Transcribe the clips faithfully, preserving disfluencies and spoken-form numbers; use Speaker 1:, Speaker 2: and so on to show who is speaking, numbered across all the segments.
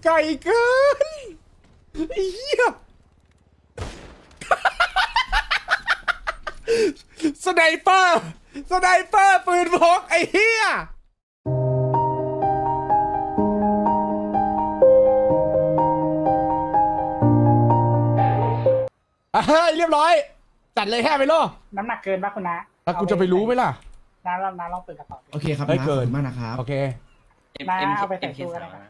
Speaker 1: ไก่เกินไอ้เหี้ยสไนเปอร์สไนเปอร์ปืนพกไอ้เหี้ยอ่ะเฮ้ยเรียบร้อยจัดเลยแค่ไปโล
Speaker 2: น้ำหนักเกินป่ะคุณนะ
Speaker 1: แล้วกูจะไปรู้ไหมล่ะ
Speaker 2: น้าลองน้าลองเปิดกระเป๋า
Speaker 3: โอเคครับ
Speaker 1: เฮ้ย
Speaker 3: นะ
Speaker 1: เกิน
Speaker 3: ขอบคุณมากนะครับ
Speaker 1: โอเค
Speaker 2: น้าเอาไปใส่ตู้ก็ได้ครับ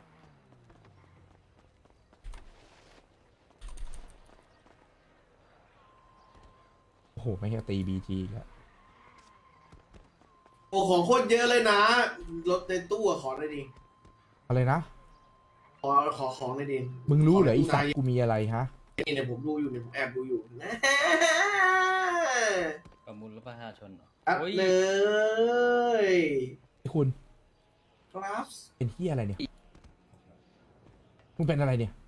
Speaker 1: โอ้โหไม่ใช่ตีบีจีแล้ว
Speaker 4: โอ้ของโคตรเยอะเลยนะรถในตู้อะขอหน่อยดิ
Speaker 1: อะไรนะ
Speaker 4: ขอขอของหน่อยดิ
Speaker 1: มึงรู้เหรอ
Speaker 4: ข
Speaker 1: ไอี
Speaker 4: ตู้
Speaker 1: สัต
Speaker 4: นาย
Speaker 1: ว์กูมีอะไรฮะ
Speaker 4: นี่เนี่ยผมดูอยู่เนี่ยผมแอบดูอยู่นะ
Speaker 5: ประมูลรถประชาชนเหรอ
Speaker 4: อัด
Speaker 5: โอ้ย
Speaker 4: เลย
Speaker 1: ไอ้คุณ
Speaker 4: ครับ
Speaker 1: เป็นที่อะไรเนี่ยมึงเป็นอะไรเนี่ย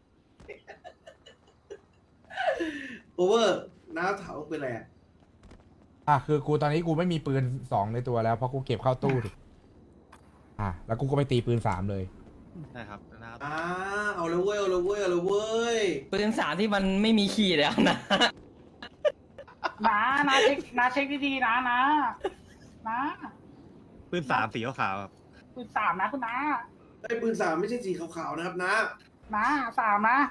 Speaker 4: โอเวอร์น้าถามว่าเป็นอะไรอะ
Speaker 1: อ่ะคือกูตอนนี้กูไม่มีปืนสองในตัวแล้วเพราะกูเก็บเข้าตู้ดิอ่ะแล้วกูก็ไปตีปืนสามเลย
Speaker 6: ใช่ครับนะครับ
Speaker 4: อ่าเอาเลยเว้ยเอาเลยเว้ยเอาเลยเว้ย
Speaker 5: ปืนสามที่มันไม่มีขีดแล้วนะ
Speaker 2: น้าน้าเช็คน้าเช็คดีๆนะน้าน้า
Speaker 6: ปืนสามสีขาวๆครับ
Speaker 2: ปืนสามนะคุณน้า
Speaker 4: ไอ้ปืนสามไม่ใช่สีขาวๆนะครับนะ
Speaker 2: น้าสามนะ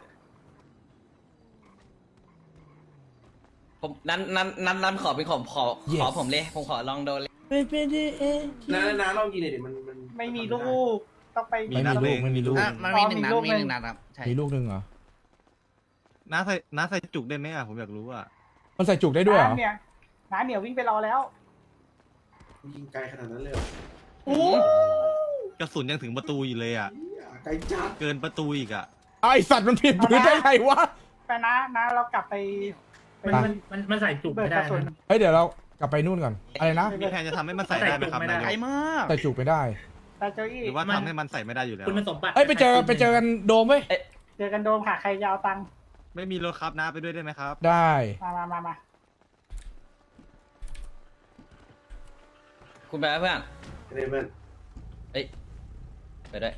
Speaker 5: ผมนั้นนั้นนั้นนั้นขอเป็นของขอ
Speaker 1: Yes
Speaker 5: ขอผมเลย ผมขอลองโดนเลย
Speaker 4: น้าน้าลองยิงหน่อยดิมันมัน
Speaker 2: ไม่มีลูกต้องไป
Speaker 1: ไม่มีลูกไม่มีลูก
Speaker 5: อ่ะมันมีหนึ่งนัดมีหนึ่งนัดครับ ใช่
Speaker 1: มีลูกหนึ่งเหรอ
Speaker 6: น้าใส่น้าใส่จุกได้ไหมอ่ะผมอยากรู้อ่ะ
Speaker 1: มันใส่จุกได้ด้วยเหรอ
Speaker 2: น้าเนี่ยน้าเหนียววิ่งไปรอแล้ว
Speaker 4: ยิงไกลขนาดนั้นเลยเหรอ
Speaker 2: โอ้
Speaker 6: กระสุนยังถึงประตูอยู่เลยอ่ะ
Speaker 4: เหี้ยไกลจัด
Speaker 6: เกินประตูอีกอ่ะ
Speaker 1: ไอสัตว์มันผิดปืนได้ไงวะ
Speaker 2: ไปนะน้าเรากลับไปไป
Speaker 7: มันมันมันมันใส่จุก
Speaker 2: เบิก
Speaker 7: ไม่
Speaker 2: ก
Speaker 7: ได้
Speaker 2: ระสุน
Speaker 7: นะ
Speaker 1: เฮ้ยเดี๋ยวเรากลับไปนู่นก่อนอะไรนะ
Speaker 6: มีแผนจะทำให้มันใส่ได้ไหมครับ
Speaker 7: ใส่จุกไม่ได้
Speaker 6: นาย
Speaker 5: ไกล
Speaker 6: ก
Speaker 5: มาก
Speaker 1: ใส่จุกไม่ได้
Speaker 2: แต่เจ้าอี้
Speaker 6: หรือว่าทำให้มันใส่ไม่ได้อยู่แล้ว
Speaker 7: คุณสมบัติ
Speaker 1: เอ้ยไปเจอไปเจอกันโดมเว้ย
Speaker 2: เจอกันโดมค่ะใครยาวตังค์
Speaker 6: ไม่มีรถครับน้าไปด้วยได้ไหมครับ
Speaker 1: ได้
Speaker 2: มามามามา
Speaker 5: คุณไปแล้วเพื่อน
Speaker 4: เรเบิล
Speaker 5: เอ้ยไปด้วย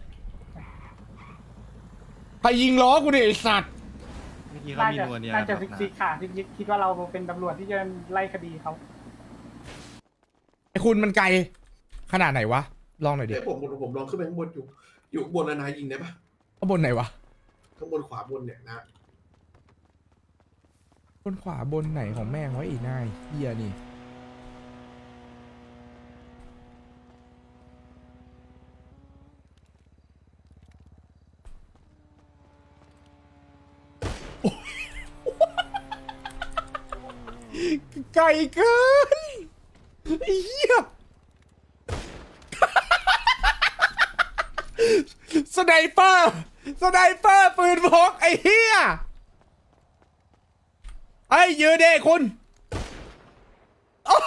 Speaker 1: ใครยิงล้อกูดิไอสัตว์
Speaker 6: เมื่อกี้เขา
Speaker 2: น่า
Speaker 6: มี
Speaker 2: จะ
Speaker 6: นัวเนีย
Speaker 2: น่าจะ
Speaker 6: ครับ
Speaker 2: ฟิก
Speaker 6: นะ
Speaker 2: ซิกค่ะฟิกซิกคิดว่าเราเป็นตำรวจที่จะไล่คดีเขา
Speaker 1: ไอคุณมันไกลขนาดไหนวะลองหน่อยดิ
Speaker 4: เดี๋ยวผมผมลองขึ้นไปข้างบนอยู่อยู่ข้างบนแล้วนายยิงได้ปะ
Speaker 1: ข้างบนไหนวะ
Speaker 4: ข้างบนขวาบนเนี่ยนะ
Speaker 1: บนขวาบนไหนของแม่งไว้อีกนายเฮียนี่ไก่เกินไอ้เหี้ยสไนเปอร์สไนเปอร์ปืนพกไอ้เหี้ยไอ้ยืนเด้คุณโอ้โห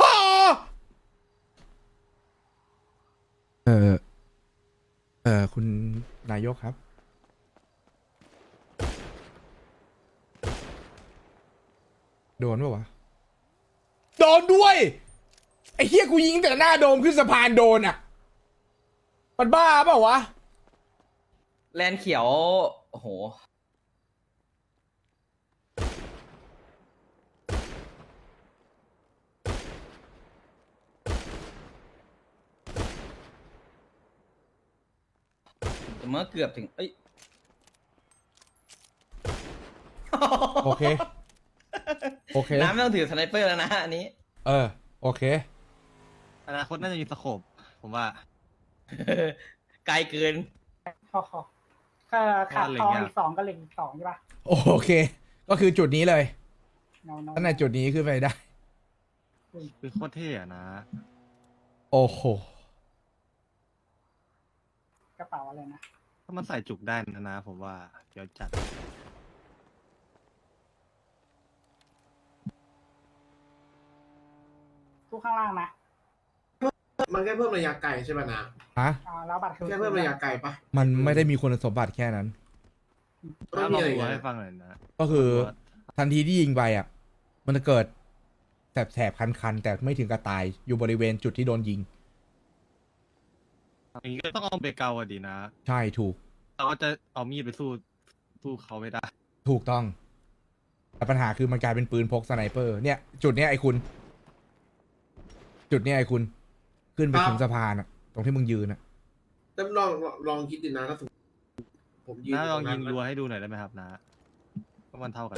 Speaker 1: เออเออคุณนายกครับ โดนปะวะ โดนด้วย ไอ้เฮียกูยิงแต่หน้าโดมขึ้นสะพานโดนอ่ะ มันบ้าเปล่าวะ
Speaker 5: แลนเขียว โอ้โห แต่เมื่อเกือบถึง เอ้ย
Speaker 1: โอเค โอเค
Speaker 5: น้ำไม่ต้องถือสไนเปอร์แล้วนะอันนี้
Speaker 1: เออ โอเค
Speaker 6: อนาคตน่าจะมีสโคปผมว่า
Speaker 5: ไกลเกิน
Speaker 2: ขอขอถ้าขาด
Speaker 6: ว่าเหล็
Speaker 2: ท
Speaker 6: ก
Speaker 2: อง
Speaker 6: ยาก
Speaker 2: อีกสองก็เหล็กอีกสองใช่ปะ
Speaker 1: โอเค ก็คือจุดนี้เลย
Speaker 2: เนาเนา
Speaker 1: ตั้งแต่จุดนี้ขึ้นไปได้
Speaker 6: คือโคตรเท่อะนะ
Speaker 1: โอ้โห
Speaker 2: กระเป๋าอะไรนะ
Speaker 6: ถ้ามันใส่จุกได้นะนะผมว่าเดี๋ยวจัด
Speaker 2: ทุกข้างล่างนะ
Speaker 4: มันแค่เพิ่มระยะไกลใช่ไหมนะ
Speaker 1: ฮะ
Speaker 2: อ่าแล้วบัตรคือ
Speaker 4: แค่เพิ่มระยะไกลปะ
Speaker 1: มันไม่ได้มีคุณสมบัติแค่นั้น
Speaker 4: ไม่
Speaker 6: น้า
Speaker 4: มี
Speaker 6: ลอง
Speaker 4: อะไร
Speaker 6: ดู
Speaker 4: อีก
Speaker 6: ให้
Speaker 4: นะ
Speaker 6: ฟังหน่อยนะ
Speaker 1: ก็คือทันทีที่ยิงไปอ่ะ มันจะเกิดแสบๆ คันๆ แต่ไม่ถึงกับตาย อยู่บริเวณจุดที่โดนยิง
Speaker 6: อย่างนี้ก็ต้องเอาเบเกาอะดีนะ
Speaker 1: ใช่ถูก
Speaker 6: เราก็จะเอามีดไปสู้สู้เขาไม่ได้
Speaker 1: ถูกต้อง แต่ปัญหาคือมันกลายเป็นปืนพกสไนเปอร์ เนี่ย จุดเนี้ยไอ้คุณ จุดเนี้ยไอ้คุณ ขึ้นไปถึงสะพานอะตรงที่มึงยืนอะ
Speaker 4: แต่ลองลองลองคิดดูนะถ้าสมมติผมยืน
Speaker 6: น้าลอง
Speaker 4: ตร
Speaker 6: ยิง
Speaker 4: นั้น
Speaker 6: รัวให้ดูหน่อยได้ไหมครับน้าก็มันเท่ากัน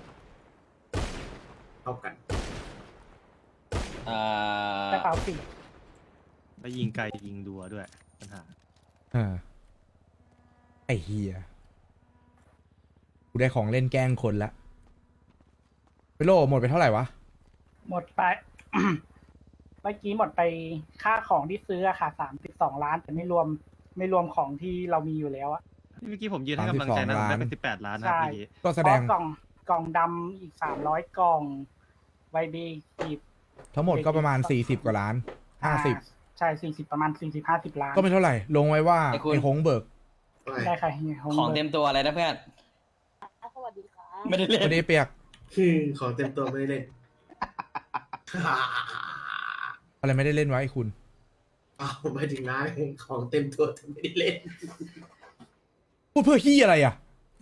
Speaker 4: เท่ากัน
Speaker 5: เอ่อก
Speaker 2: ระเป๋าสี
Speaker 6: แล้วยิงไกลยิงรัวด้วยปัญหา
Speaker 1: เออไอ้เฮียกูได้ของเล่นแกล้งคนละไปโลหมดไปเท่าไหร่วะ
Speaker 2: หมดไป เมื่อกี้หมดไปค่าของที่ซื้ออะค่ะสามสิบสองล้านแต่ไม่รวมไม่รวมของที่เรามีอยู่แล้วอะ
Speaker 6: เมื่อกี้ผมยืนให้กำลังใจนะผมได้เป็นสิบแปดล้านนะ
Speaker 2: ใช่
Speaker 6: เมื่อกี้
Speaker 1: ก็แส
Speaker 2: เพ
Speaker 1: ด
Speaker 2: ราะ
Speaker 1: ง
Speaker 2: กล่องกล่องดำอีกสามร้อยกล่องไวเบอีก
Speaker 1: ทั้งหมดก็ประมาณสี่สิบกว่าล้านห้าสิบ
Speaker 2: ใช่สี่สิบประมาณสี่สิบห้าสิบล้าน
Speaker 1: ก็ไม่เท่าไหร่ ลงไว้ว่าไอ้ฮงเบิก
Speaker 2: ได้ค่ะเฮีย
Speaker 5: ของเต็มตัวอะไรนะเพื่อน
Speaker 3: สวัสดีครับ
Speaker 5: ไม่ได้เล่
Speaker 1: วัน
Speaker 5: น
Speaker 1: นี้เปียก
Speaker 4: คือของเต็มตัวไม่ได้เล่น
Speaker 1: อะไรไม่ได้เล่นไว้ไอ้คุณ
Speaker 4: อ้าวหมายถึงนะของเต็มตัวแต่ไม่ได้เล่น
Speaker 1: พูดเพื่อขี้อะไรอ่ะ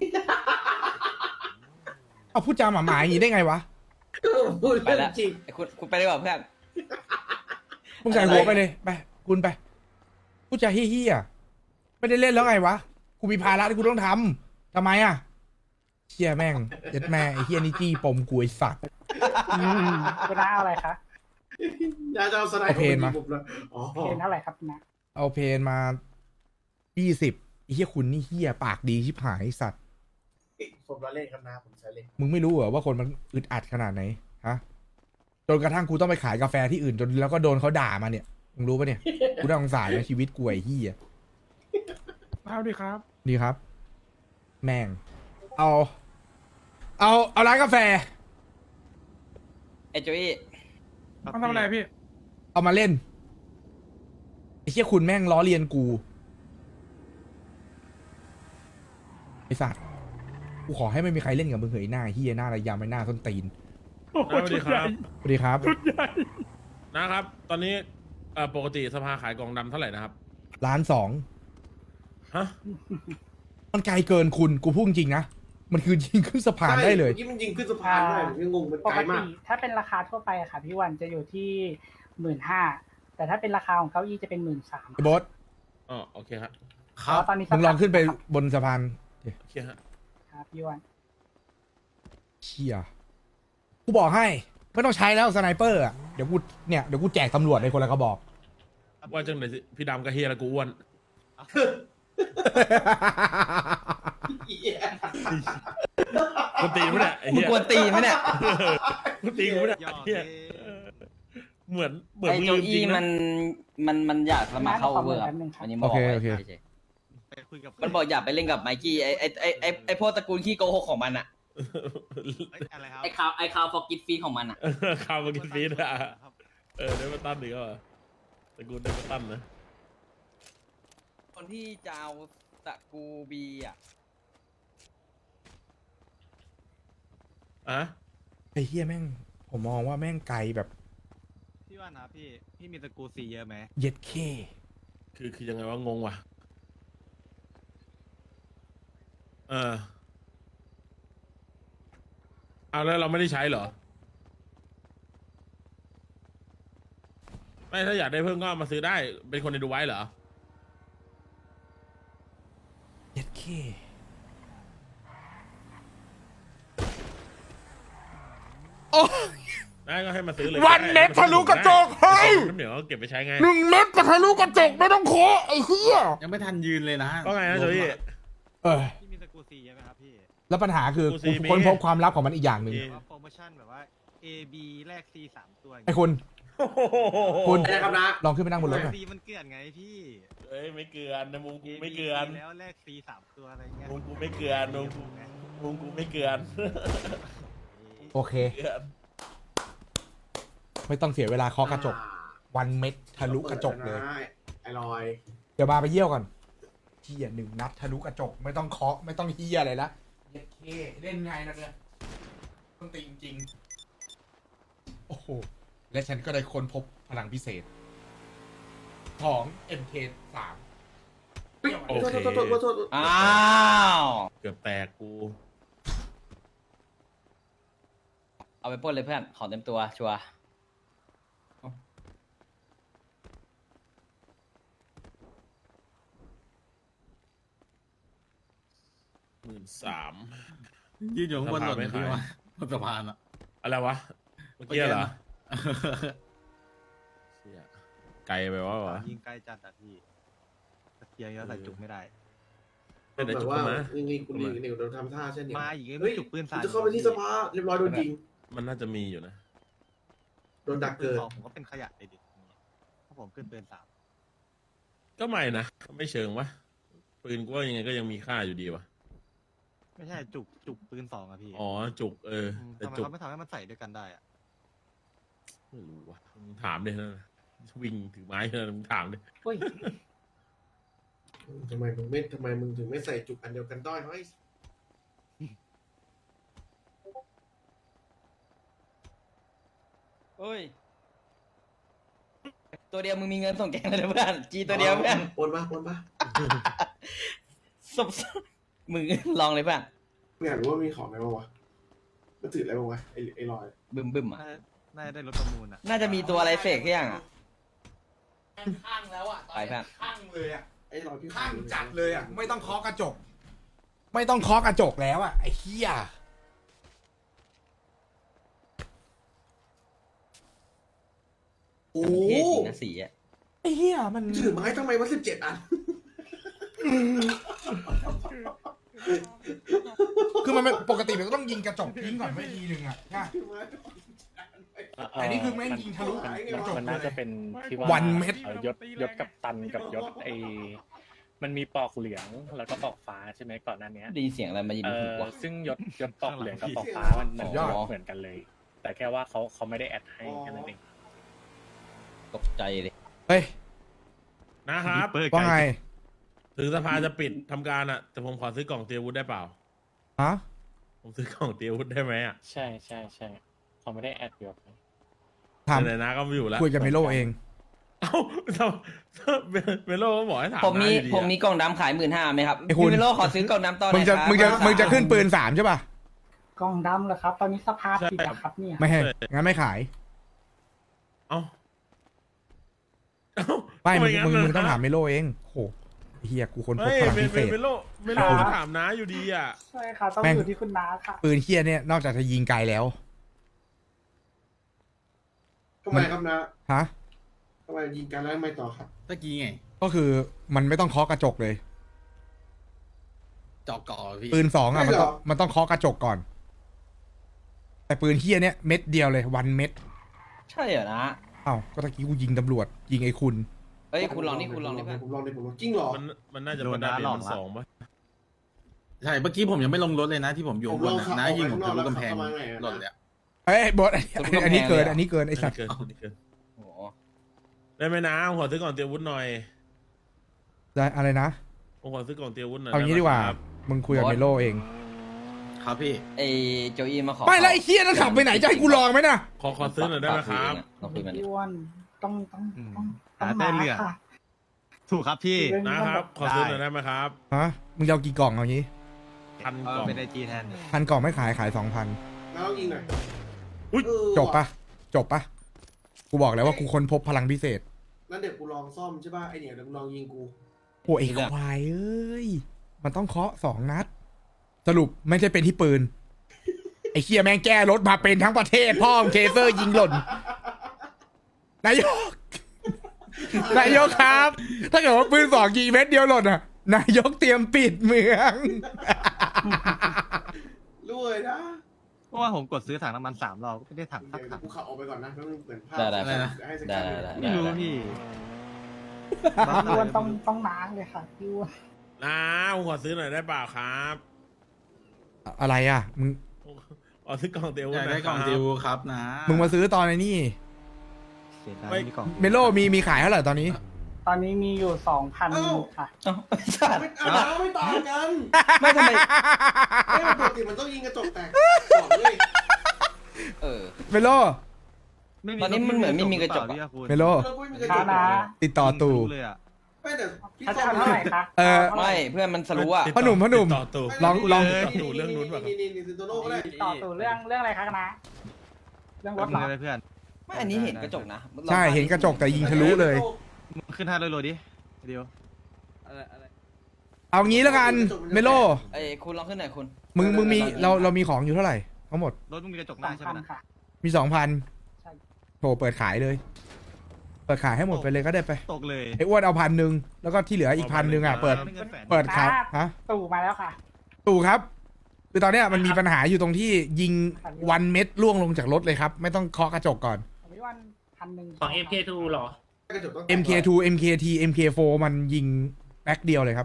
Speaker 1: เอาพูดจาหมาหมาอย่างนี้ได้ไงวะ
Speaker 4: พูด
Speaker 5: ไป
Speaker 4: เรื่อ
Speaker 5: แล้ว
Speaker 4: งจริง
Speaker 5: ไอ้คุณคุณไปดีกว่าเพื่อน
Speaker 1: มึงใส่หัวไปเลย ไป คุณไป พูดจาเฮี้ยๆไม่ได้เล่นแล้วไงวะ กูมีภาระที่กูต้องทำทำไมอ่ะเชี่ยแม่งยัดแม่ไอ้เฮี้ยนี่จี้ปมกูไอ้สัตว์
Speaker 2: อืมคุณน้าเอาอะไรคะ
Speaker 4: ยาจะเอาสไน
Speaker 1: เอาเพลงมา
Speaker 4: ผมเลยอ๋อ
Speaker 2: เพนเท่าไหร่ครับคุณน้า
Speaker 1: เอาเพนมายี่สิบไอ้เฮี้ยคุณนี่เฮี้ยปากดีชิบหายไอ้สัตว์
Speaker 4: ผมละเล่นครับนะผมใช้เล่น
Speaker 1: มึงไม่รู้เหรอว่าคนมันอึดอัดขนาดไหนฮะจนกระทั่งกูต้องไปขายกาแฟที่อื่นจนแล้วก็โดนเขาด่ามาเนี่ยมึงรู้ปะเนี่ย กูน่าสงสารในชีวิตกูไอ้เฮี้ย
Speaker 2: เอาดีครับ
Speaker 1: ดีครับ แม่ง เอา เอาเอาร้านกาแฟ
Speaker 5: ไอ้จุ้ย
Speaker 6: มันทำอะไรพี่
Speaker 1: เอามาเล่นไอ้เชี่ยคุณแม่งล้อเลียนกูไอ้สัตว์กูขอให้ไม่มีใครเล่นกับมึงเหยหน้าเฮียหน้าระยำไอ้หน้าส้นตีน
Speaker 7: สวัสดีครับ
Speaker 1: สวัสดีครับ
Speaker 7: นะครับ ตอนนี้เอ่อปกติสภาขายกล่องดำเท่าไหร่นะครับ
Speaker 1: ล้านสอง
Speaker 7: ฮะ
Speaker 1: มันไกลเกินคุณกูพูดจริงๆนะมันคือยิงขึ้นสะพานได้เลย
Speaker 4: มื่อกี้มันยิงขึ้นสะพานได้ผมยังงงมัน
Speaker 2: ป
Speaker 4: ไกล
Speaker 2: ก
Speaker 4: มา
Speaker 2: ติ
Speaker 4: ก
Speaker 2: ถ้าเป็นราคาทั่วไปอะค่ะพี่วันจะอยู่ที่หมื่นห้าแต่ถ้าเป็นราคาของเก้าอี้จะเป็นหมื่นสาม
Speaker 1: ไอ้โบอส
Speaker 7: อ๋อโอเคครับ
Speaker 4: ครับ
Speaker 2: ตอนนี้
Speaker 1: มึงลองขึ้นไปบนสะพาน
Speaker 7: โอเคฮะ
Speaker 2: ครับพี่วัน
Speaker 1: เชี่ยกูบอกให้ไม่ต้องใช้แล้วสไนเปอร์อ่ะเดี๋ยวกูเนี่ยเดี๋ยวกูแจกตำรวจในคนละกระบอก
Speaker 7: ว่าจังไหนสิพี่ดำกับเฮียแล้วกูอ้วนกูตีมั้ยเนี่ยไอ้
Speaker 5: มึง
Speaker 7: เฮีย
Speaker 5: กวนตีนไหมเนี่ย
Speaker 7: กูตีกูเนี่ย
Speaker 6: หยอก
Speaker 7: เฮีย
Speaker 6: เล่
Speaker 7: เออเหมือนเหมือน
Speaker 5: ไอ้
Speaker 7: มึง
Speaker 5: โจ
Speaker 7: ลืมจริ
Speaker 5: อี้
Speaker 7: ง
Speaker 5: มั
Speaker 7: นะ
Speaker 5: นมันมันมันอยากสมัครเข้าเวอร์ครับอันนี้บอกไว้
Speaker 1: โอเคโอเค
Speaker 5: เฉย
Speaker 6: ไปคุยกับ
Speaker 5: ๆมันบอกอยากไปเล่นกับไมกี้ไอ้ไอ้ไอ้ไอ้ไอ้พวกตระกูลขี้โกหกของมันอะ
Speaker 6: เอ้ยอะไรครับ
Speaker 5: ไอ้คาวไอ้คาวฟอร์กิตฟีของมันอะ
Speaker 7: ข้าวมากินฟีดอ่ะเออได้มาตั้นหรือเปล่าแต่กูได้มาตั้นนะ
Speaker 5: คนที่จะเอาตระกูบีอะ
Speaker 7: อ่ะ
Speaker 1: ไอ้เฮียแม่ง ผมมองว่าแม่งไกลแบบ
Speaker 6: พี่ว่านะพี่พี่มีตระกูลซีเยอะไหม
Speaker 1: เย็ดเค
Speaker 7: คือคือยังไงวะงงว่ะเออเอาแล้วเราไม่ได้ใช้เหรอไม่ถ้าอยากได้เพิ่มก็เอามาซื้อได้เป็นคนในดูไว้เหรอ
Speaker 1: เย็ดเค โอ้
Speaker 7: ได้ก็ให้มาซื้อเลย
Speaker 1: วันเม็ดทะลุกระจกเฮ้ย
Speaker 7: น้ำเหนียวก็เก็บไปใช้ไง
Speaker 1: หนึ่งเม็ดกระทะลุกระจกไม่ต้องโคไอ้เฮีย
Speaker 6: ยังไม่ทันยืนเลยนะ
Speaker 7: ก็ไงนะโจยี่
Speaker 1: เออ
Speaker 6: พี่มีตระกูลซีเยอะไหมครับพี่
Speaker 1: แล้วปัญหาคือ
Speaker 7: กูซี
Speaker 1: กู
Speaker 7: มี
Speaker 1: ค้นพบความลับของมันอีกอย่างหนึ่ง
Speaker 7: มี
Speaker 6: ว่าโปรโมชั่นแบบว่า A B แลก C สามตัวอย่าง
Speaker 1: ไอ้
Speaker 6: เงี้ย
Speaker 1: คุณ คุณ
Speaker 4: อะไรนะครับนะ
Speaker 1: ลองขึ้นไปนั่งบนรถหน่อย
Speaker 6: C มันเกลื่อนไงพี่
Speaker 7: เอ้ยไม่เกลือนในมุมกู
Speaker 6: A B
Speaker 7: ไม่เกลือน
Speaker 6: แล้วแลก C สามตัวอะไรเงี้ย
Speaker 7: มุมกูไม่เกลือนมุมกูมุมกูไม่เกลือน
Speaker 1: โอเค
Speaker 7: เกลือน
Speaker 1: ไม่ต้องเสียเวลาเคาะกระจก วันเม็ดทะลุกระจกเลย
Speaker 4: ไอ้ลอย
Speaker 1: เดี๋ยวมาไปเยี่ยวก่อนเฮียหนึ่งนัดทะลุกระจก ไม่ต้องเคาะไม่ต้องเฮียอะไรละเย็ดเคเล่นไงนะเนี่ยต้องตีจริงๆโอ้โห และฉันก็ได้ค้นพบพลังพิเศษ ของ เอ็ม เค สาม
Speaker 4: เฮ้ย
Speaker 7: โอ
Speaker 4: โทษ
Speaker 7: เค
Speaker 4: โทษโทษโทษโทษ
Speaker 5: อ้าว
Speaker 7: เกือบแตกกู
Speaker 5: เอาไปปล้นเลยเพื่อนของเต็มตัวชัวร์
Speaker 7: หมื่นสาม
Speaker 8: ยืนอยู่ข้างบนหล่น
Speaker 7: ไม่
Speaker 8: พี่
Speaker 7: ขาย
Speaker 8: ว่าบนสะพานอ่ะ
Speaker 7: อะไรวะ เมื่อกี้เหรอเชี่ยไกลไปวะวะ
Speaker 6: ยิงใกล้จัดอะพี่ตะเกียงแล้วใส่จุกไม่ได้
Speaker 7: เป็นแต่
Speaker 4: แบบ
Speaker 7: จุก
Speaker 4: ว่า
Speaker 7: มา
Speaker 4: นี่นี่กูนี่นี่เราทำท่าเช่นนี้
Speaker 6: มาอีกไอ้
Speaker 4: เฮ้ย
Speaker 6: จุกปืน
Speaker 4: กู
Speaker 6: สาย
Speaker 4: จะเข้าไปที่สภาเรียบร้อยโดนยิง
Speaker 7: มันน่าจะมีอยู่นะ
Speaker 4: โดนดัก
Speaker 6: ปืน
Speaker 4: เกิด
Speaker 6: สองผมก็เป็นขยะเลยดิถ้าผมขึ้นปืนสาม
Speaker 7: ก็ไม่นะไม่เชิงวะปืนกูว่ายังไงก็ยังมีค่าอยู่ดีวะ
Speaker 6: ไม่ใช่จุกจุกปืนสองอะพี่
Speaker 7: อ๋อจุกเออ
Speaker 6: ม
Speaker 7: แต่
Speaker 6: ทำไม
Speaker 7: จุก
Speaker 6: เขาไม่ทำให้มันใส่ด้วยกันได้อะ
Speaker 7: ไม่รู้วะมึงถามดินะวิ่งถือไม้นะมึงถามดิ
Speaker 2: เฮ้ย
Speaker 4: ทำไมมึงไม่ทำไมมึงถึงไม่ใส่จุกอันเดียวกันด้อยเฮ้ย
Speaker 5: เฮ้ยตัวเดียวมึงมีเงินส่งแกงเลยนะเพื่อนจีตัวเดียวเพื่อน
Speaker 4: ปนปะปนปะ
Speaker 5: สบมึงลองเลยเพื่อน
Speaker 4: เนี่ยหรือว่ามีของอะไรบ้างวะมันถืออะไรบ้างวะไอ้ไอ้ลอย
Speaker 5: บึมบึมอ่ะ
Speaker 6: น่าจะน่าจะได้รถประมูลอะ
Speaker 5: น่าจะมีตัวอะไรเสกที่ยังอ่ะ
Speaker 1: ข้างแล้วอ่ะ
Speaker 5: ไปเพื่อน
Speaker 1: ข้างเลยอ่ะ
Speaker 4: ไอ้ลอยพี่
Speaker 1: ข้างจัดเลยอ่ะ ไม่ต้องเคาะกระจก ไม่ต้องเคาะกระจกแล้วอ่ะไอ้เหี้ย
Speaker 4: โอ้
Speaker 5: เท่จริงนะสีอ่ะ
Speaker 1: ไอ้เหี้ยมัน
Speaker 4: ถือไม้ทำไมวะสิบเจ็ดอัน
Speaker 1: คือมันเป็นปกติมันก็ต้องยิงกระจกทิ้งก่อนไม่ทีหนึ่งอ่ะใช่
Speaker 4: ถือไม้
Speaker 1: แต่นี่คือแม่งยิงทะลุ
Speaker 4: มัน
Speaker 1: กระจก
Speaker 9: มัน
Speaker 1: เล
Speaker 9: น่าจะ
Speaker 1: ย
Speaker 9: เป็นที่ว่า
Speaker 1: วันเม็ด
Speaker 9: อ่อยศยศกับตันกับยศไอมันมีปอกเหลืองแล้วก็ปอกฟ้าใช่ไหมก่อนหน้าเนี้ย
Speaker 5: ได้ยินเสียงอะไรมายิง
Speaker 9: เอ
Speaker 5: หู
Speaker 9: อ
Speaker 5: วะ
Speaker 9: ซึ่งยศยศปอกเหลืองกับปอกฟ้ามันเหมือน
Speaker 1: ยอด
Speaker 9: เหมือนกันเลย แต่แค่ว่าเขาเขาไม่ได้แอดให้แค่นั้นเอง
Speaker 5: ตกใจเลย
Speaker 1: เฮ้ย
Speaker 7: นะครับ
Speaker 6: เปิด
Speaker 1: ว่าไง
Speaker 7: ถึงสภาจะปิดทำการอ่ะ แต่ผมขอซื้อกล่องเตรียมอาวุธได้เปล่า
Speaker 1: ฮะ
Speaker 7: ผมซื้อกล่องเตรียมอาวุธได้ไหมอ่ะ
Speaker 9: ใช่ใช่ใช่เขาไม่ได้แอดยศ
Speaker 1: ถาม
Speaker 7: ไหนๆนะก็ไม่อยู่แล้ว
Speaker 1: คุยกับเมโลเอง
Speaker 7: เอ้าทำเมโลก็บอกให้ถาม
Speaker 5: ผมมี
Speaker 7: น้าอยู่ดีอะ
Speaker 5: ผมมีกล่องดำขายหมื่นห้าไหมครับ
Speaker 1: ไอ้คุณ
Speaker 5: พี่เมโลขอซื้อกล่องดำต่อห
Speaker 1: มึ
Speaker 5: น่
Speaker 1: ง
Speaker 5: อย
Speaker 1: จะ
Speaker 5: ครับ
Speaker 1: มึงจะ
Speaker 5: ขอ
Speaker 1: มึงจะขึ้นปืนสามใช่ป่ะ
Speaker 2: กล้องดำเหรอครับ ตอนนี้สภาพปิดอะครับเนี่ย
Speaker 1: ไม่ให้ งั้นไม่ขาย
Speaker 7: เอ้าเอ้า
Speaker 1: ไม่ มึง
Speaker 7: ทำ
Speaker 1: มึง
Speaker 7: น
Speaker 1: มึงต้อง
Speaker 7: นะ
Speaker 1: ถามเมโลเองโหเฮียกูคนพบ
Speaker 7: เฮ้ย
Speaker 1: พลัง
Speaker 7: เม
Speaker 1: พิเศษ
Speaker 7: เมโลเมโลก็ถามน้าอยู่ดีอ่ะ
Speaker 2: ใช่ค่ะ ต้อง
Speaker 1: แม่ง
Speaker 2: อยู่ที่คุณน้าค่ะ
Speaker 1: ปืนเฮียเนี่ยนอกจากจะยิงไกลแล้ว
Speaker 4: ทำไมครับนะ
Speaker 1: ฮะ
Speaker 4: ทำไมยิงกันแล้วไม่ต่อครับ
Speaker 8: ตะกี้ไง
Speaker 1: ก็คือมันไม่ต้องเคาะกระจกเลย
Speaker 8: จอกก่อพี่
Speaker 1: ปืนสองอ่ะ
Speaker 4: ไม่
Speaker 1: มัน
Speaker 4: หร
Speaker 1: ต้
Speaker 4: อ
Speaker 1: องมันต้องเคาะกระจกก่อน แต่ปืนเฮียเนี่ยเม็ดเดียวเลยวันเม็ด
Speaker 5: ใช่เหรอนะ
Speaker 1: อ้าวก็ตะกี้กูยิงตำรวจ ยิงไอ้คุณ
Speaker 5: เฮ้ยคุณลองนี่คุณลองนี่เพื่อน
Speaker 4: ผมลองดิผมลองจริงเหรอ
Speaker 7: มันมันน่าจะเป็นดาเมจมันสองปะ
Speaker 8: ใช่เมื่อกี้ผมยังไม่ลงรถเลยนะที่ผมอยู่
Speaker 4: ผม
Speaker 8: บ
Speaker 4: ล
Speaker 8: น
Speaker 4: อง
Speaker 8: น่ะ
Speaker 4: ขับ
Speaker 8: นะยิงผม
Speaker 4: ออก
Speaker 8: ทะ
Speaker 4: ไป
Speaker 8: ลุกำแพง
Speaker 4: ข้างนอกแล้วขับเข้ามาไงอะ
Speaker 8: หล่นเลยอะ
Speaker 1: เอ้ยบอสอันนี้เกิน อันนี้เกินไอ้สัตว์
Speaker 7: เกินอันนี้เกิน
Speaker 5: โอ้โห
Speaker 7: ได้ไหมนะผมขอซื้อกล่องเตรียมอาวุธหน่อย
Speaker 1: ได้อะไรนะ
Speaker 7: ผมขอซื้อกล่องเตรียมอาวุธหน่อย
Speaker 1: เอางี้
Speaker 7: ไไหม
Speaker 1: ดีกว่า
Speaker 7: ครับ
Speaker 1: มึงคุยกับเมโลเอง
Speaker 8: ครับพี่
Speaker 5: ไอโจอี้มาขอ
Speaker 1: ไม่แล้วไอ้เฮียนั่นขับไปไหนจะให้กูลองไหมน่ะ
Speaker 7: ขอขอซื้อหน่อยได้ไหมครับ
Speaker 5: ลองคุยมันดิ
Speaker 2: พี่อ้วนต้องต้องต้อง
Speaker 6: หา
Speaker 2: ต้อง
Speaker 6: ได้
Speaker 2: มา
Speaker 6: เรื่อง
Speaker 2: ค่ะ
Speaker 6: ถูกครับพี่
Speaker 2: เรื่อง
Speaker 7: นะ
Speaker 2: นี้
Speaker 7: ค
Speaker 2: มัน
Speaker 7: รั
Speaker 2: แบบ บ
Speaker 7: ขอซื้อหน่อยได้ไหมครับ
Speaker 1: ฮะ มึงจะเอากี่กล่องเอางี้
Speaker 7: พัน
Speaker 6: เอก อ
Speaker 7: ล่อง
Speaker 6: เป็นไอจีแทน
Speaker 1: พันกล่องไม่ขายขายสองพัน
Speaker 4: แล้วยิงหน่อย
Speaker 7: อุ๊ย
Speaker 4: เออ
Speaker 1: จบปะจบปะกูบอกแล้วว่ากูค้นพบพลังพิเศษ
Speaker 4: นั่นเดี๋ยวกูลองซ่อมใช่ป่ะไอเนี่ยเดี๋ยวมึงลองยิงกู
Speaker 1: โอ้ไอ้ควายเอ้ย มันต้องเคาะสองนัด สรุปไม่ใช่เป็นที่ปืน ไอ้เคียแม่งแก้รถมาเป็นทั้งประเทศ พ่อมงเคเซอร์ยิงหล่น นายก นายกครับ ถ้าเกิดว่าปืนสองยิงเม็ดเดียวหล่นอ่ะ นายกเตรียมปิดเมือง
Speaker 4: รวยนะ
Speaker 6: เพราะว่าผมกดซื้อถังน้ำมันสามรอบก็ไม่ได้ถังสัก
Speaker 4: เดี๋ยว
Speaker 6: ถัง
Speaker 4: กูขับออกไปก่อนนะแล้วมึงเหมือนภาพ
Speaker 5: ได้ได้
Speaker 8: อะไรนะ
Speaker 4: ให้สัก
Speaker 5: ได้
Speaker 4: ครั้ง
Speaker 5: ได้
Speaker 4: หนึ่ง
Speaker 5: ได้
Speaker 6: ไม่รู้พี่
Speaker 2: พี่อ้วนต้องต้องน้าเลยค่ะพี่อ้วน
Speaker 7: นะผมขอซื้อหน่อยได้เปล่าครับ
Speaker 1: อะไรอ่ะ มึง
Speaker 7: ขอซื้อกล่องเตรียมอาวุ
Speaker 8: อ
Speaker 7: ธ
Speaker 8: ยาก
Speaker 7: หน่
Speaker 8: ได้
Speaker 7: อย
Speaker 8: กล่อง
Speaker 7: ครับ
Speaker 8: ติวครับนะ
Speaker 1: มึงมาซื้อตอนไอ้นี่
Speaker 6: เสียดาย
Speaker 7: ไม่
Speaker 6: ไม่มีกล่อง
Speaker 1: เมโลมีมีขายเท่าไหร่ตอนนี้
Speaker 2: ตอนนี้มีอยู่สองพันค่ะ
Speaker 5: เอ้าไอ้สัตว์
Speaker 4: ไม่อ่าไม่ต่างกัน
Speaker 5: ไม่ทำไม
Speaker 4: ไม่ปกติมันต้องยิงกระจกแตกบอกเลย
Speaker 5: เออ
Speaker 1: เมโล
Speaker 6: ไ
Speaker 5: ตอนนี้มันเหมือนไม่มีกระจกอะ
Speaker 6: พี่อาคุณ
Speaker 1: เมโล
Speaker 4: แล้วกูไม่มีกระจ
Speaker 2: ช้าก นะ
Speaker 1: ติดต่อตู่
Speaker 6: ยิงทะลุเลยอะ
Speaker 4: ไม่แต่พี่
Speaker 2: ถ้า
Speaker 4: ต้
Speaker 2: จะ
Speaker 4: อ
Speaker 2: เอาเท่าไหร่คะ
Speaker 1: เออ
Speaker 2: าท่าหร่
Speaker 5: ไม่เพื่อนมันสรู้อ่ะ
Speaker 1: พ่อหนุ่มพ่อหนุ่ม
Speaker 7: ติดต่อตู่
Speaker 1: ลองลอง
Speaker 7: ติดต่อตู่เรื่องนู้นแบบ
Speaker 4: นี่นี่นี่ซินโตโน่ก็ได้
Speaker 2: ต่อสู่เรื่องเรื่องอะไรคะนะ เรื่องรถเหรอ
Speaker 6: เลยเพื่อน
Speaker 5: ไม่อันนี้เห็นกระจกนะ
Speaker 1: ใช่เห็นกระจกแต่ยิงทะลุเลย
Speaker 6: มึงขึ้นห้าร้อยโลดิเดียว
Speaker 1: เอางี้แล้วกันเมโล
Speaker 5: ไอ้ยคุณลองขึ้นหน่อยคุณ
Speaker 1: มึงมึงมีเราเรามีของอยู่เท่าไหร่ทั้งหมด
Speaker 6: รถมึงมีกระจกห
Speaker 2: สอ
Speaker 6: น้าง ใช่ไห
Speaker 2: พั
Speaker 6: ม
Speaker 2: น
Speaker 6: นะ
Speaker 2: ค่ะ
Speaker 1: มีสองพัน
Speaker 2: ใช่
Speaker 1: โถเปิดขายเลย เปิดขายให้หมดไปเลยก็ได้ไป
Speaker 6: ตกเลย
Speaker 1: ไอ้อ้วนเอาพันหนึ่งแล้วก็ที่เหลืออีกพันหนึ่งอ่ะเปิด
Speaker 6: เงินแสน
Speaker 1: เปิดขายฮะ
Speaker 2: ตู่มาแล้วค่ะ
Speaker 1: ตู่ครับ คือตอนเนี้ยมันมีปัญหาอยู่ตรงที่ยิงวันเม็ดล่วงลงจากรถเลยครับ ไม่ต้องเคาะกระจกก่อน
Speaker 2: ผมพี่วันพันหนึ่ง
Speaker 9: ของ เอ็ม เค ทู เหรอ
Speaker 4: กระจกต้อง
Speaker 1: เอ็ม เค ทู เอ็ม เค ที เอ็ม เค โฟร์ มันยิงแบ็คเดียวเลยครับ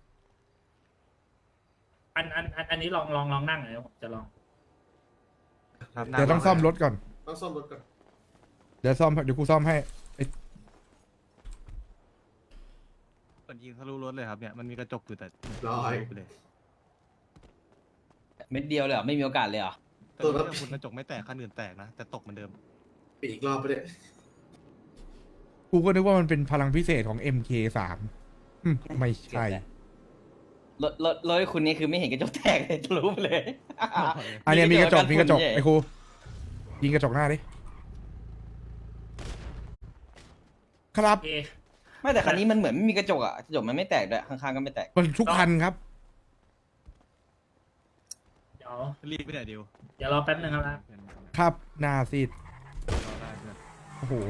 Speaker 9: อันอันอันอันนี้ลองลองลองนั่งหน่อยผมจะลอง
Speaker 6: ครับ
Speaker 1: เดี๋ยวต้องซ่อมรถก่อน
Speaker 4: ต้องซ่อมรถก่อน
Speaker 1: เดี๋ยวซ่อมเดี๋ยวกูซ่อมให้
Speaker 6: เปิดยิงทะลุรถเลยครับเนี่ยมันมีกระจกอยู่แต่
Speaker 4: ร้อย
Speaker 6: ไปเลย
Speaker 5: เม็ดเดียวเลยเหรอไม่มีโอกาสเลยเหรอ
Speaker 6: แต่รถคุณกระจกไม่แตกคันอื่นแตกนะแต่ตกเหมือนเดิม
Speaker 4: ปีกรอบไปเลย
Speaker 1: กูก็นึกว่ามันเป็นพลังพิเศษของ เอ็ม เค สามอืมไม่ใช่
Speaker 5: รถรถรถคุณนี่คือไม่เห็นกระจกแตกเลยทะลุไปเลย
Speaker 1: อันเนี้ยมีกระจกมีกระจก
Speaker 5: ฝุ่นใหญ่
Speaker 1: ไอ้ครูยิงกระจกหน้าดิครับ
Speaker 9: โอเค
Speaker 5: ไม่แต่คันนี้มันเหมือนไม่มีกระจกอ่ะกระจกมันไม่แตกด้วยข้างๆก็ไม่แตก
Speaker 1: มันทุกคันครับ
Speaker 9: เดี๋ยว
Speaker 6: รีบไปไหนเดียว
Speaker 9: เดี๋ยวรอแป๊บนึงครับนะครับ
Speaker 1: หน้าซีดโอ้โห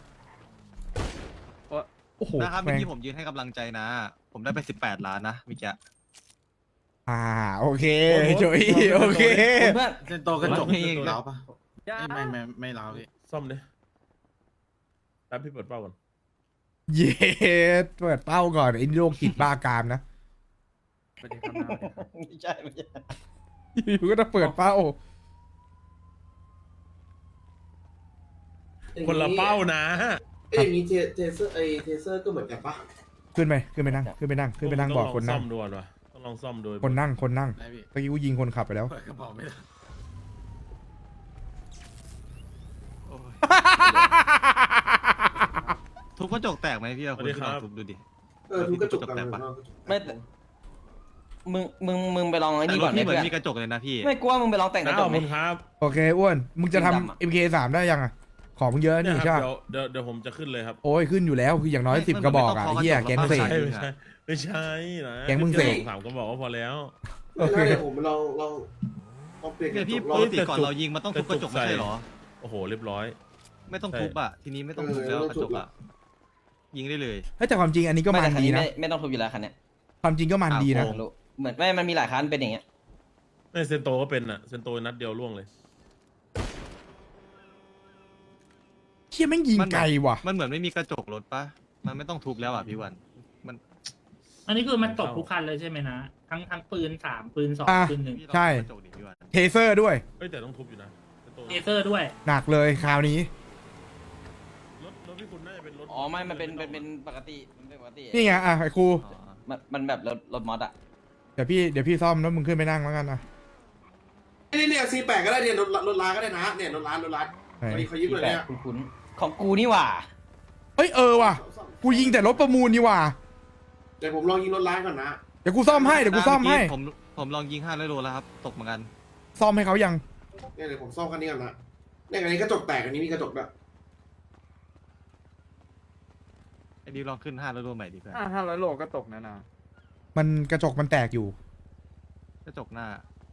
Speaker 1: โอ้โห
Speaker 6: นะครับเมื่
Speaker 1: แม่
Speaker 6: อง กี้ผมยืนให้กำลังใจนะ ผมได้ไปสิบแปดล้านนะเมื่อกี้
Speaker 1: อ่าโอเคโจยโอเค
Speaker 5: คุณเพื่อน
Speaker 8: เซนโตกระจก
Speaker 6: ไม่
Speaker 8: เล้าปะไม่ไม่ไม่เล้าพี่
Speaker 7: ซ่อมดิแป๊บพี่เปิดเป้าก่อน
Speaker 1: เย็ดเปิดเป้าก่อนไอ้โรคจิตบ้ากามนะ
Speaker 5: ไม่ใช่ไม่ใช่
Speaker 1: อยู่ก็ต้องเปิดเป้า
Speaker 7: คนละเป้านะ
Speaker 4: เอ้ยอย่างนี้เทเทเซอร์ไอเทเซอร์ก็เหมือนกันปะ
Speaker 1: ขึ้นไปขึ้นไปนั่งขึ้นไปนั่งขึ้นไปนั่งบอกคนนั่ง
Speaker 7: ต้องลองซ่อมดูก่อนวะต้องลองซ่อมดู
Speaker 1: คนนั่งคนนั่ง
Speaker 8: ได้พี่
Speaker 1: เมื่อกี้กูยิงคนขับไปแล้ว
Speaker 8: เปิดกระเป๋าไม่ได้
Speaker 6: โอ้ยทุบกระจกแตกไหมพี่เราคุณพี่ลองทุบดูดิ
Speaker 4: เออทุกกระจกกัน
Speaker 6: แตกปะ
Speaker 5: ไม่แต่มึงมึงมึงไปลองไอ้
Speaker 6: แต่
Speaker 5: นี่
Speaker 6: ร
Speaker 5: ก่
Speaker 6: ถ
Speaker 5: อนไหม
Speaker 6: พี่เหมือ
Speaker 5: เพื่อน
Speaker 6: นมีกระจกเลยนะพี่
Speaker 5: ไม่กลัวมึงไปลองแต่งกระ
Speaker 7: นะ
Speaker 5: จ
Speaker 7: ข
Speaker 5: ก
Speaker 7: อบ
Speaker 5: ไหม
Speaker 7: คุณครับ
Speaker 1: โอเคอ้วนมึงจะ
Speaker 5: ดำอะ
Speaker 1: ทำ เอ็ม เค สามได้ยังอ่ะของมึงเยอะ
Speaker 7: เนี่
Speaker 1: นี่
Speaker 7: ยค
Speaker 1: ใช่
Speaker 7: รับ
Speaker 1: ปะ
Speaker 7: เดี๋ยวเดี๋ยวเดี๋ยวผมจะขึ้นเลยครับ
Speaker 1: โอ้ยขึ้นอยู่แล้วคืออย่างน้อย
Speaker 6: ไม่
Speaker 1: สิบ
Speaker 6: มัน
Speaker 1: กระบอก
Speaker 6: ไม่
Speaker 1: อ่ะ
Speaker 6: ต้อง
Speaker 1: ไอ้เหี้ย
Speaker 6: เคาะ
Speaker 1: แก๊ง
Speaker 6: กระจก
Speaker 1: เส
Speaker 6: แล้
Speaker 1: ก
Speaker 6: ว
Speaker 7: ไม่ใช่ไม่ใช่นะ
Speaker 1: แก๊งมึงเสก
Speaker 7: สามก็บอกว่าพอแล้ว
Speaker 1: โอเค
Speaker 4: แล้วเดี๋ยวผมลองลองลองเปลี่ยนก
Speaker 6: เนี่ย
Speaker 4: ระจ
Speaker 6: พี่
Speaker 4: ก
Speaker 6: ป
Speaker 4: ลอง
Speaker 6: กติก่อนเรายิงมันต้องทุบกระจกไม่ใช่เหรอ
Speaker 7: โอ้โหเรียบร้อย
Speaker 6: ไม่ต้องทุบอ่ะทีนี้ไม่ต้องทุบแล้วกระจกอ่ะยิงได้เลย
Speaker 1: เฮ้ยแต่ความจริงอันนี้ก็
Speaker 5: ไม่
Speaker 1: มัน
Speaker 5: แต่คัน
Speaker 1: ดี
Speaker 5: นี้
Speaker 1: นะ
Speaker 5: ไม่ไม่ต้องทุบอยู่แล้วคันเนี้ย
Speaker 1: ความจริงก็มันดีนะ
Speaker 6: อ่ะโอ้
Speaker 5: รู้เหมือนไม่มันมีหลายคันเป็นอย่างเงี้ย
Speaker 7: ไม่เซนโตก็เป็นอ่ะเซนโตนัดเดียวล่วงเลย
Speaker 1: เชี่ยแม่งยิงไกลว่ะ
Speaker 6: มันเหมือนไม่มีกระจกรถปะมันไม่ต้องทุบแล้วอ่ะพี่วันมัน
Speaker 9: อันนี้คือมันตกทุกคันเลยใช่ไหมนะ ทั้งทั้งปืนสามปืนสอง
Speaker 1: อ่ะ
Speaker 9: ปืนหนึ่ง
Speaker 6: พี่ลอง
Speaker 1: ใช่
Speaker 6: กระจกดิพี่วัน
Speaker 1: เทเซอร์ด้วย
Speaker 7: เอ้ยแต่ต้องทุบอยู่นะเซนโต
Speaker 9: เอเซอร์ด้วย
Speaker 1: หนักเลยคราวนี้
Speaker 7: รถรถพี่คุณน่าจะเป็นรถ
Speaker 5: อ๋อไม่มันเป็นเป็นเป็นปกติมันเป็นปกติ
Speaker 1: นี่ไงอ่ะไอ้ครู
Speaker 6: อ๋อ
Speaker 5: มันมันแบบรถรถมอสอะ
Speaker 1: เดี๋ยวพี่เดี๋ยวพี่ซ่อมแล้วมึงขึ้นไปนั่งแล้วกันอ่ะ
Speaker 4: นี่เนี่ยซีแปดก็ได้เนี่ยรถรถร้านก็ได้นะเนี่ยรถร้านรถร้าน
Speaker 1: ไหน
Speaker 4: วันนี้เขายึดเลย
Speaker 5: แปล
Speaker 4: เนี่ย
Speaker 5: กคุ้นๆของกูนี่หว่า
Speaker 1: เฮ้ยเออว่ะกูยิงแต่รถประมูลนี่ว่ะ
Speaker 4: เดี๋ยวผมลองยิงรถร้านก่อนนะ
Speaker 1: เดี๋ยวกูซ่อมให้เดี๋ยวกูซ่อมให้
Speaker 6: ผมผมลองยิงห้าร้อยโลแล้วครับตกเหมือนกัน
Speaker 1: ซ่อมให้เขายัง
Speaker 4: เนี่ยเดี๋ยวผมซ่อมคันนี้ก่อนนะเนี่ยอันนี้กระจกแตกอันนี้มีกระจกด้วย
Speaker 6: ไอ้ดิวลองขึ้นห้าร้อยโลใหม่ดิเพื่อน
Speaker 8: ห้าร้อยโลก็ตกนะนะ
Speaker 1: มันกระจกมันแตกอยู่
Speaker 6: กระจกหน้า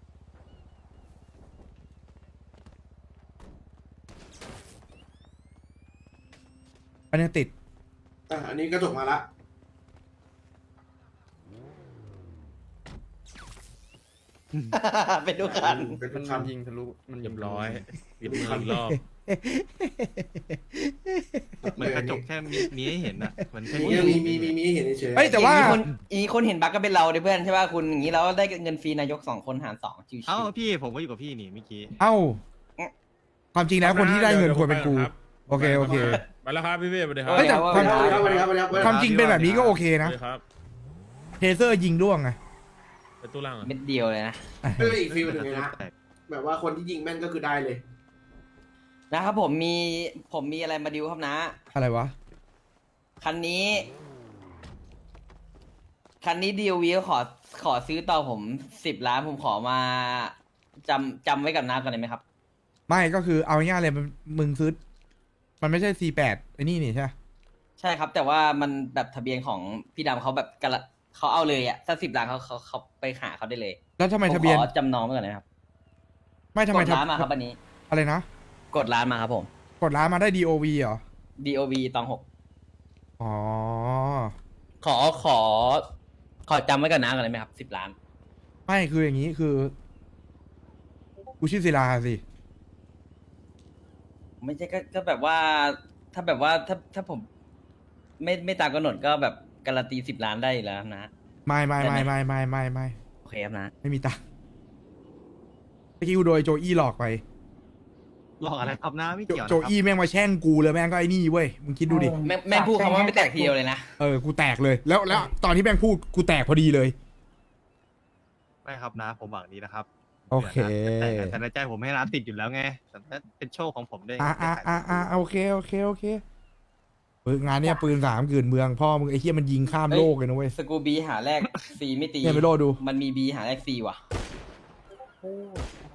Speaker 1: อันนี้ติด
Speaker 4: อ่ะอันนี้กระจกมาละ
Speaker 5: เป็นทุกคัน
Speaker 4: เป็น
Speaker 8: มัน
Speaker 4: คัน
Speaker 8: ยิงทะลุมัน
Speaker 7: เรียบร้อยปิดมืออีกรอบ
Speaker 6: เหมือนกระจกแค่มีมีให้เห็นอะเหมือนแค่
Speaker 4: มีมีมีมีมีให้เห็นเฉยๆ
Speaker 1: เฮ้ยแต่ว่า
Speaker 5: อีกคนอีกคนเห็นบั๊กก็เป็นเราเด้เพื่อนใช่ป่ะคุณอย่างนี้เราได้เงินฟรีนายกสองคนหารสองชิวๆ
Speaker 6: เอ้าพี่ผมก็อยู่กับพี่นี่เมื่อกี้
Speaker 1: เอ้า ความจริงแล้วคนที่ได้เงินควรเป็นกู
Speaker 7: ดี๋ยว
Speaker 1: โอเคโอเค
Speaker 7: ไปแล้วครับพี่เว้ยสวัสดีครับ
Speaker 1: เฮ้ยแต่ความ
Speaker 4: สวัสดีครับสวัสดีครับสวัสดีครับ
Speaker 1: ความจริงเป็นแบบนี้ก็โอเค
Speaker 7: ส
Speaker 1: นะ
Speaker 7: วัสดีครับ
Speaker 1: เทเซอร์ยิงร่วงไง
Speaker 7: ไปตู้ล่างอ่ะ
Speaker 5: เม็ดเดียวเลยนะ
Speaker 4: ไม่เป็นอีกฟิลหนึ่งเลยนะแบบว่าคนที่ยิงแม่นก็คือได้เลย
Speaker 5: นะครับผมมีผมมีอะไรมาดิวครับนะ
Speaker 1: อะไรวะ
Speaker 5: คันนี้คันนี้ดีโอวีขอขอซื้อต่อผมสิบล้านผมขอมาจำจำไว้กับน้าก่อนได้ไหมครับ
Speaker 1: ไม่ก็คือเอาง่ายๆเลยมันมึงซื้อมันไม่ใช่ ซี แปด ไอ้นี่นี่ใช่ไหม
Speaker 5: ใช่ครับ แต่ว่ามันแบบทะเบียนของพี่ดำเขาแบบกระเขาเอาเลยอ่ะถ้าสิบล้านเขาเขาเขาไปหาเขาได้เลย
Speaker 1: แล้วทำไม
Speaker 5: ผม
Speaker 1: ทะเบียน
Speaker 5: ขอจำนองไว้ก่อนนะครับ
Speaker 1: ไม่ทำไม
Speaker 5: กด
Speaker 1: ทะ
Speaker 5: ร้านมาครับอันนี้
Speaker 1: อะไรนะ
Speaker 5: กดร้านมาครับผม
Speaker 1: กดร้านมาได้ ดี โอ วี เหรอ
Speaker 5: ดีโอวีตองหก
Speaker 1: อ๋อ
Speaker 5: ขอขอ ขอจำไว้กับน้าก่อนได้ไหมครับสิบล้าน
Speaker 1: ไม่คืออย่างนี้คือกูชื่อศิลาสิ
Speaker 5: ไม่ใช่ก็ก็แบบว่า ถ้าแบบว่าถ้าถ้าผม ไม่ไม่ตามกำหนดก็แบบการันตีสิบล้านได้อยู่แล้วนะ
Speaker 1: ไม่ไม่
Speaker 5: ได้
Speaker 1: ไม่
Speaker 5: ไหม
Speaker 1: ไม่ไม่ไม่ไม่
Speaker 5: โอเคครับนะ
Speaker 1: ไม่มีตังค์เมื่อกี้กูโดยโจอี้หลอกไป
Speaker 6: หลอกอะไรครับนะไม่
Speaker 1: โจ
Speaker 6: เกี่ยวนะ
Speaker 1: โจ
Speaker 6: ครับ
Speaker 1: อี้แม่งมาแช่งกูเลยแม่งก็ไอ้นี่เว้ยมึงคิดดูดิ
Speaker 5: แม่งแม่งพูดคำว่าไม่แตกทีเดียวเลยนะ
Speaker 1: เออ กูแตกเลย แล้ว แล้ว ตอนที่แม่งพูด กูแตกพอดีเลย
Speaker 6: ไม่ครับนะ ผมหวังดีนะครับ
Speaker 1: โอเค
Speaker 6: แต่แต่ในใจผมให้ร้านติดอยู่แล้วไงแต่นั่นเป็นโชคของผมด้วย
Speaker 1: อ่าอ่าอ่าอ่าโอเค โอเค โอเคเอองานเนี้ยปืนสามกืนเมือง พ่อมึงไอ้เหี้ยมันยิงข้าม
Speaker 5: เฮ้ย
Speaker 1: โลกเลยนะเว้ย
Speaker 5: สกูบีหาแรกซีไม่ตี
Speaker 1: เนี่ยไปโลดู
Speaker 5: มันมีบีหาแรกซีว่ะ
Speaker 2: โอ้